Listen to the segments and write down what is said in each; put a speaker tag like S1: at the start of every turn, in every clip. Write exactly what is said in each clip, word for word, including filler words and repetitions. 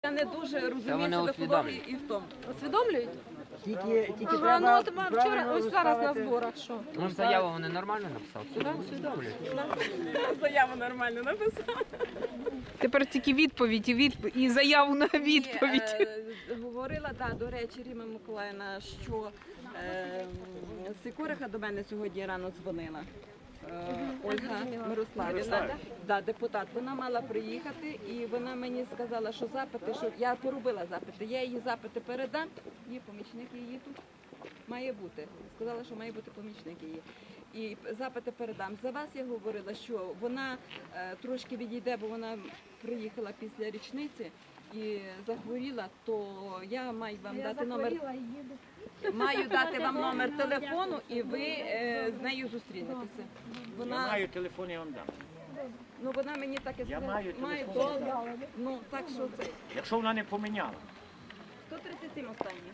S1: Я не дуже
S2: Та
S1: розумію
S2: вони
S1: себе
S2: усвідомлюють.
S1: екології і в тому.
S3: Усвідомлюють?
S4: Тільки, тільки
S3: Ага, ну
S4: треба
S3: от ма-
S4: правильно
S3: вчора, ось зараз на
S4: розставити.
S3: зборах, що?
S2: Ну, заяву вони нормально написали, все усвідомлюють.
S1: Заяву нормально написала.
S5: Тепер тільки відповідь і відповідь і заяву на відповідь.
S1: Е, Говорила, да, до речі, Ріма Миколаївна, що е, Сикориха до мене сьогодні рано дзвонила. Е, Ольга Мирославівна, да, депутат, вона мала приїхати і вона мені сказала, що запити, що я поробила запити, я її запити передам, її помічник її тут має бути. Сказала, що має бути помічник її. І запити передам. За вас я говорила, що вона е, трошки відійде, бо вона приїхала після річниці і захворіла, то я маю вам дати номер. Маю дати вам номер телефону, і ви е, з нею зустрінетеся.
S4: Я
S1: Вона,
S4: маю телефон, я вам дам.
S1: ну вона мені так і
S4: Я
S1: сказала.
S4: маю
S1: Маю
S4: телефон.
S1: добре. Ну так що це
S4: Якщо вона не поміняла.
S1: сто тридцять сім останній.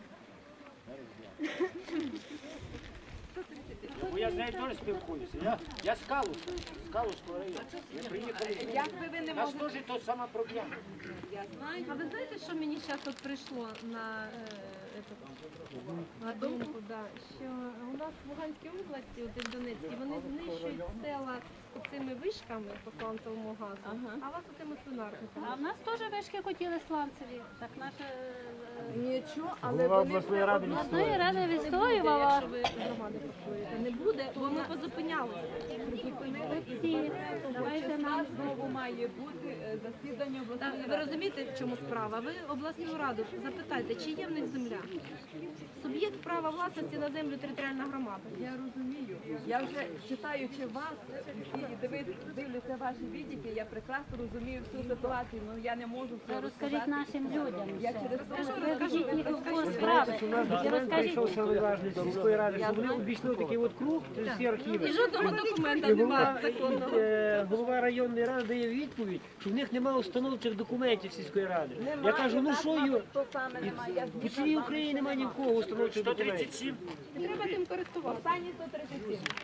S4: Бо я з нею теж спілкуюся. Я, я з Калуша, з Калуського району. Ми приїхали.
S1: Як би ви не
S4: У нас
S1: можете,
S4: теж то сама проблема.
S1: я знаю.
S3: А ви знаєте, що мені зараз от прийшло на, е, этот, на думку, да, що у нас в Луганській області, от і в Донецькій, вони знищують села цими вишками по сланцевому газу,
S1: Ага.
S3: а вас оцими свинарниками.
S6: А в нас теж вишки хотіли сланцеві. Так наша
S1: Нічого, але
S4: Голова
S1: вони
S4: обласної
S1: все
S4: ради
S1: одно-
S6: обласної ради
S3: Не буде,
S6: відстоювала.
S3: якщо ви громади построїте. Не буде, бо ми позупинялися.
S6: Всі, давайте
S1: Числа
S6: нам.
S1: знову має бути е, засідання
S3: Так,
S1: обласної
S3: ви
S1: ради.
S3: розумієте, в чому справа? Ви обласну раду запитайте, чи є в них земля? Суб'єкт права власності на землю територіальна громада.
S1: Я розумію. Я вже читаючи вас і диви- дивлюся ваші відіки, я прекрасно розумію всю ситуацію, але я не можу все
S6: Розкажіть
S1: розказати.
S6: нашим людям.
S1: Я через те,
S6: Розкажіть їх у курс справи. І розкажіть.
S4: Прийшов самоважний з сільської ради, що вони обійшли такий от круг, всі архіви.
S3: І жодного документа
S4: І
S3: немає
S4: голова,
S3: законного.
S4: е, голова районної ради дає відповідь, що в них немає установчих документів сільської ради. Я кажу, ну що його?
S1: то саме немає. Я
S4: По цілій Україні немає ні в кого установчих документів.
S3: І треба тим користуватися.
S1: Останні сто тридцять сім.